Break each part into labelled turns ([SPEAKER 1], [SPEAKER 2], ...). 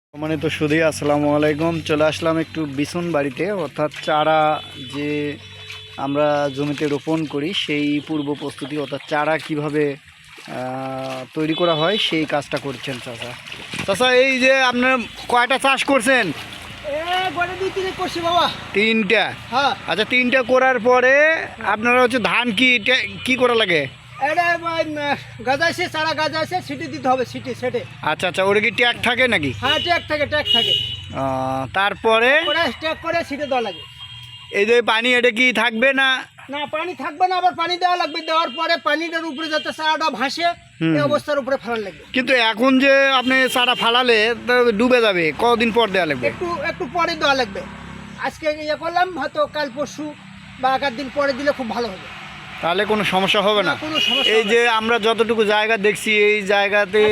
[SPEAKER 1] সম্মানিত সুধী, আসসালামু আলাইকুম। চলে আসলাম একটু বিছুন বাড়িতে, অর্থাৎ চারা যে আমরা জমিতে রোপণ করি সেই পূর্ব প্রস্তুতি, অর্থাৎ চারা কিভাবে তৈরি করা হয় সেই কাজটা করছেন চাচা। চাচা, এই যে আপনার কয়টা চাষ করছেন?
[SPEAKER 2] করছি বাবা,
[SPEAKER 1] 3টা।
[SPEAKER 2] হ্যাঁ।
[SPEAKER 1] আচ্ছা, 3টা করার পরে আপনারা হচ্ছে ধান কি করা লাগে?
[SPEAKER 2] এটা গাজাইছে, চারা গাজাইছে, সিটি দিতে হবে, সিটি সেটে।
[SPEAKER 1] আচ্ছা আচ্ছা, ওটা কি ট্যাগ থাকে নাকি?
[SPEAKER 2] হ্যাঁ, ট্যাগ থাকে, ট্যাগ থাকে।
[SPEAKER 1] তারপরে
[SPEAKER 2] ট্যাগ করে সিটে দেওয়া লাগে।
[SPEAKER 1] এই যে পানি, এটা কি থাকবে না?
[SPEAKER 2] না, পানি থাকবে না, আবার পানি দেওয়া লাগবে। দেওয়ার পরে পানিটার উপরে যাতে চারাটা ভাসে এই অবস্থার উপরে ফেলান লাগবে।
[SPEAKER 1] কিন্তু এখন যে আপনি চারা ফালালে তো ডুবে যাবে, কদিন পর দেওয়া লাগবে?
[SPEAKER 2] একটু পরে দেওয়া লাগবে। আজকে ইয়ে করলাম, হয়তো কাল পরশু বা 1 দিন পরে দিলে খুব ভালো হবে।
[SPEAKER 1] তাহলে কোনো সমস্যা হবে না?
[SPEAKER 2] কোনো সমস্যা
[SPEAKER 1] এই যে আমরা যতটুকু জায়গা দেখছি, এই জায়গাতে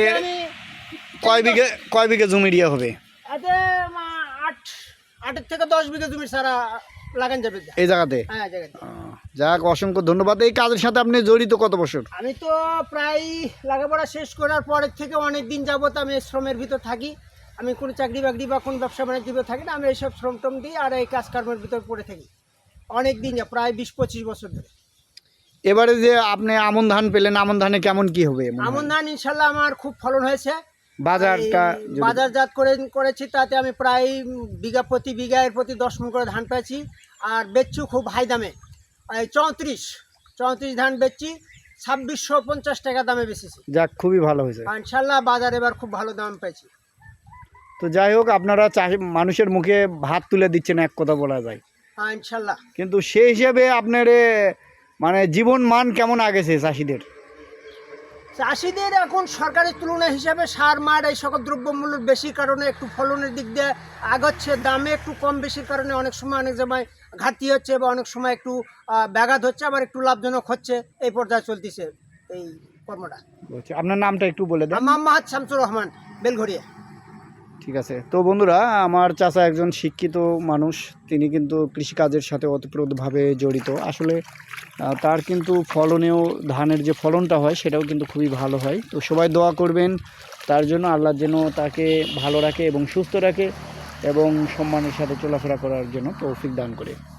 [SPEAKER 1] কয় বিঘা জমি দিয়ে হবে?
[SPEAKER 2] এতে 8 থেকে 10 বিঘা জমির চারা লাগান যাবে
[SPEAKER 1] এই জায়গাতে।
[SPEAKER 2] হ্যাঁ, জায়গাতে।
[SPEAKER 1] যাক, অসংখ্য ধন্যবাদ। এই কাজের সাথে আপনি জড়িত কত বছর?
[SPEAKER 2] আমি তো প্রায় লেখাপড়া শেষ করার পরের থেকে অনেক দিন যাবত আমি শ্রমের ভিতর থাকি। আমি কোনো চাকরি বাকরি বা কোনো ব্যবসা বাণিজ্যের ভিতর থাকি না। আমি এইসব শ্রম টম দিই আর এই কাজকর্মের ভিতর পড়ে থাকি অনেক দিন, প্রায় 20-25 বছর ধরে।
[SPEAKER 1] এবারে যে আপনি আমন ধান পেলেন, আমন ধানে কেমন কি হবে?
[SPEAKER 2] আমন ধান ইনশাল্লাহ আমার খুব ফলন হয়েছে।
[SPEAKER 1] বাজারটা
[SPEAKER 2] বাজারজাত করেছি, তাতে আমি প্রায় প্রতি বিঘায় প্রতি 10 মণ করে ধান পেয়েছি। আর বেচছি খুব হাই দামে, এই 34 ধান বেচছি 2650 টাকা দামে বেচেছি।
[SPEAKER 1] যাক, খুবই ভালো হয়েছে
[SPEAKER 2] ইনশাল্লাহ। বাজার এবার খুব ভালো দাম পেয়েছি।
[SPEAKER 1] তো যাই হোক, আপনারা মানুষের মুখে ভাত তুলে দিচ্ছেন, এক কথা বলা যায়।
[SPEAKER 2] হ্যাঁ, ইনশাল্লাহ।
[SPEAKER 1] কিন্তু সেই হিসেবে আপনার মানে জীবন মান কেমন আগেছে চাষিদের?
[SPEAKER 2] চাষিদের এখন সরকারের তুলনা হিসাবে সার মার এই সকল দ্রব্যমূল্যের বেশি কারণে একটু ফলনের দিক দিয়ে আগাচ্ছে। দামে একটু কম বেশির কারণে অনেক সময় ঘাটতি হচ্ছে, বা অনেক সময় একটু ব্যাঘাত হচ্ছে, আবার একটু লাভজনক হচ্ছে। এই পর্যায়ে চলতেছে এই কর্মটা।
[SPEAKER 1] আপনার নামটা একটু বলে দেন।
[SPEAKER 2] মোহাম্মদ শামসুর রহমান, বেলঘরিয়া।
[SPEAKER 1] ঠিক আছে। তো বন্ধুরা, আমার চাচা একজন শিক্ষিত মানুষ, তিনি কিন্তু কৃষিকাজের সাথে ওতপ্রোতভাবে জড়িত। আসলে তার কিন্তু ফলনেও, ধানের যে ফলনটা হয় সেটাও কিন্তু খুবই ভালো হয়। তো সবাই দোয়া করবেন তার জন্য, আল্লাহ যেন তাকে ভালো রাখে এবং সুস্থ রাখে এবং সম্মানের সাথে চলাফেরা করার জন্য তৌফিক দান করে।